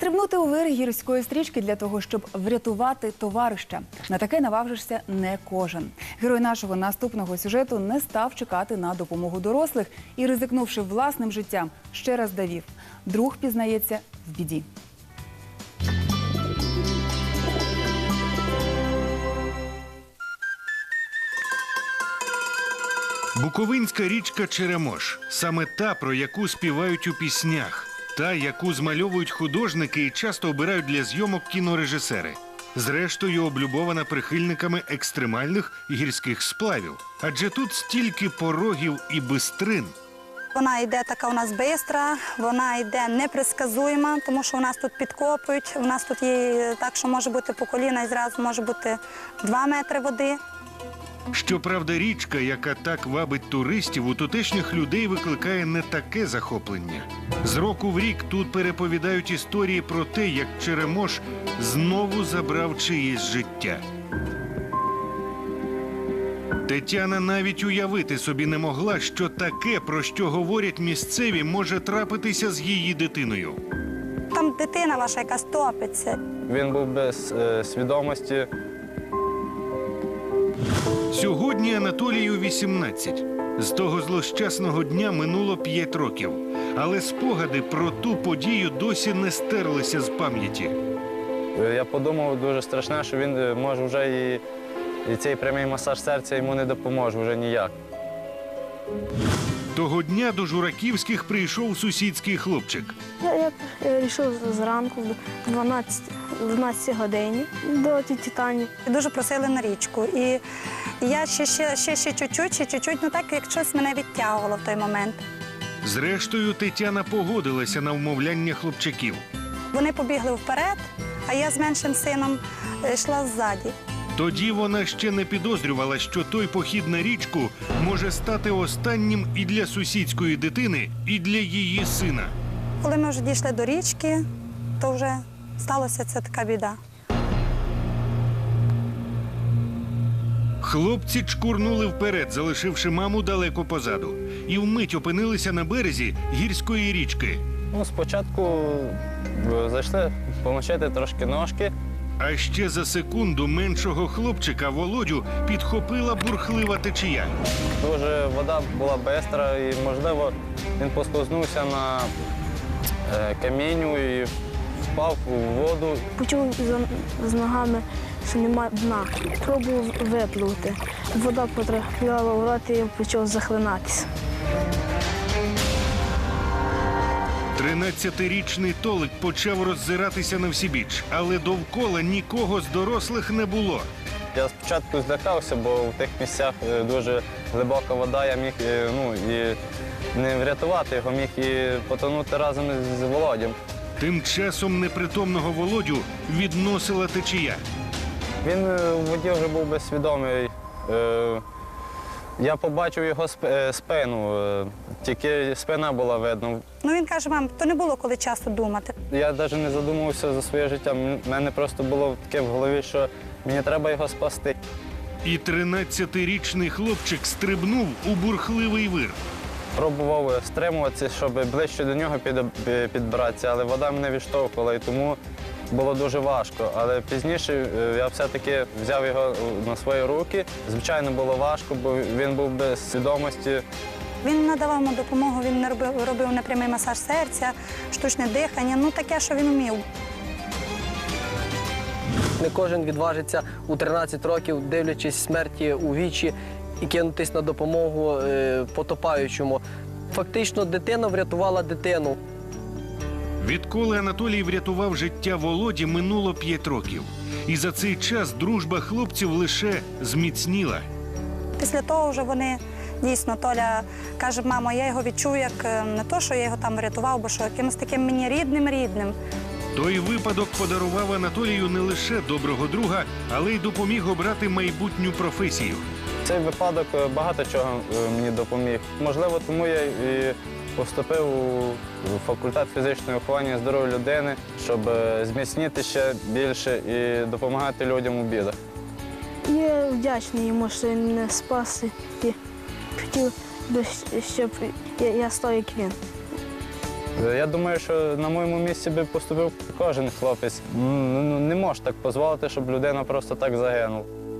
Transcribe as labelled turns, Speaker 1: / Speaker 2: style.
Speaker 1: Стрибнути у вир гірської стрічки для того, щоб врятувати товариша. На таке наважишся не кожен. Герой нашого наступного сюжету не став чекати на допомогу дорослих і, ризикнувши власним життям, ще раз довів – друг пізнається в біді.
Speaker 2: Буковинська річка Черемош – саме та, про яку співають у піснях. Та, яку змальовують художники і часто обирають для зйомок кінорежисери. Зрештою, облюбована прихильниками екстремальних гірських сплавів. Адже тут стільки порогів і бистрин.
Speaker 3: Вона йде така у нас бистра, вона йде непредсказуєма, тому що у нас тут підкопують, у нас тут є так, що може бути по коліна і зразу може бути 2 метри води.
Speaker 2: Щоправда, річка, яка так вабить туристів, у тутешніх людей викликає не таке захоплення. З року в рік тут переповідають історії про те, як Черемош знову забрав чиєсь життя. Тетяна навіть уявити собі не могла, що таке, про що говорять місцеві, може трапитися з її дитиною.
Speaker 3: Там дитина ваша якась топиться.
Speaker 4: Він був без свідомості.
Speaker 2: Сьогодні Анатолію 18. З того злощасного дня минуло 5 років. Але спогади про ту подію досі не стерлися з пам'яті.
Speaker 4: Я подумав дуже страшне, що він може вже і цей прямий масаж серця йому не допоможе вже ніяк.
Speaker 2: Того дня до Жураківських прийшов сусідський хлопчик.
Speaker 5: Я вирішив зранку в 12 годині до тіті Тані.
Speaker 3: Дуже просили на річку. І я ще чуть-чуть, ну так, як щось мене відтягувало в той момент.
Speaker 2: Зрештою, Тетяна погодилася на вмовляння хлопчаків.
Speaker 3: Вони побігли вперед, а я з меншим сином йшла ззаді.
Speaker 2: Тоді вона ще не підозрювала, що той похід на річку може стати останнім і для сусідської дитини, і для її сина.
Speaker 3: Коли ми вже дійшли до річки, то вже сталося ця така біда.
Speaker 2: Хлопці чкурнули вперед, залишивши маму далеко позаду. І вмить опинилися на березі гірської річки.
Speaker 4: Спочатку зайшли помочити трошки ножки.
Speaker 2: А ще за секунду меншого хлопчика Володю підхопила бурхлива течія.
Speaker 4: Дуже вода була бистра і, можливо, він послизнувся на камінню і впав у воду.
Speaker 5: Почув з ногами, що немає дна. Пробував випливти. Вода потрапляла в рот і я почав захлинатися.
Speaker 2: 13-річний Толик почав роззиратися навсібіч, але довкола нікого з дорослих не було.
Speaker 4: Я спочатку злякався, бо в тих місцях дуже глибока вода, я міг і не врятувати його, міг і потонути разом з Володям.
Speaker 2: Тим часом непритомного Володю відносила течія.
Speaker 4: Він у воді вже був безсвідомий. Я побачив його спину, тільки спина була видно.
Speaker 3: Ну він каже, мам, то не було коли часу думати.
Speaker 4: Я навіть не задумувався за своє життя. У мене просто було таке в голові, що мені треба його спасти.
Speaker 2: І 13-річний хлопчик стрибнув у бурхливий вир.
Speaker 4: Пробував стримуватися, щоб ближче до нього підбиратися, але вода мене відштовхувала, і тому було дуже важко. Але пізніше я все-таки взяв його на свої руки. Звичайно, було важко, бо він був без свідомості.
Speaker 3: Він надавав йому допомогу, він робив непрямий масаж серця, штучне дихання, ну таке, що він вмів.
Speaker 6: Не кожен відважиться у 13 років, дивлячись смерті у вічі, і кинутись на допомогу потопаючому. Фактично, дитина врятувала дитину.
Speaker 2: Відколи Анатолій врятував життя Володі, минуло 5 років. І за цей час дружба хлопців лише зміцніла.
Speaker 3: Після того вже вони, дійсно, Толя каже, мамо, я його відчув, як не то, що я його там врятував, бо що якимось таким мені рідним.
Speaker 2: Той випадок подарував Анатолію не лише доброго друга, але й допоміг обрати майбутню професію.
Speaker 4: Цей випадок багато чого мені допоміг. Можливо, тому я і поступив у факультет фізичного виховання здоров'я людини, щоб зміцнити ще більше і допомагати людям у бідах.
Speaker 5: Я вдячний йому, що він мене спас і хотів би, щоб я став як він.
Speaker 4: Я думаю, що на моєму місці би поступив кожен хлопець. Не може так дозволити, щоб людина просто так загинула.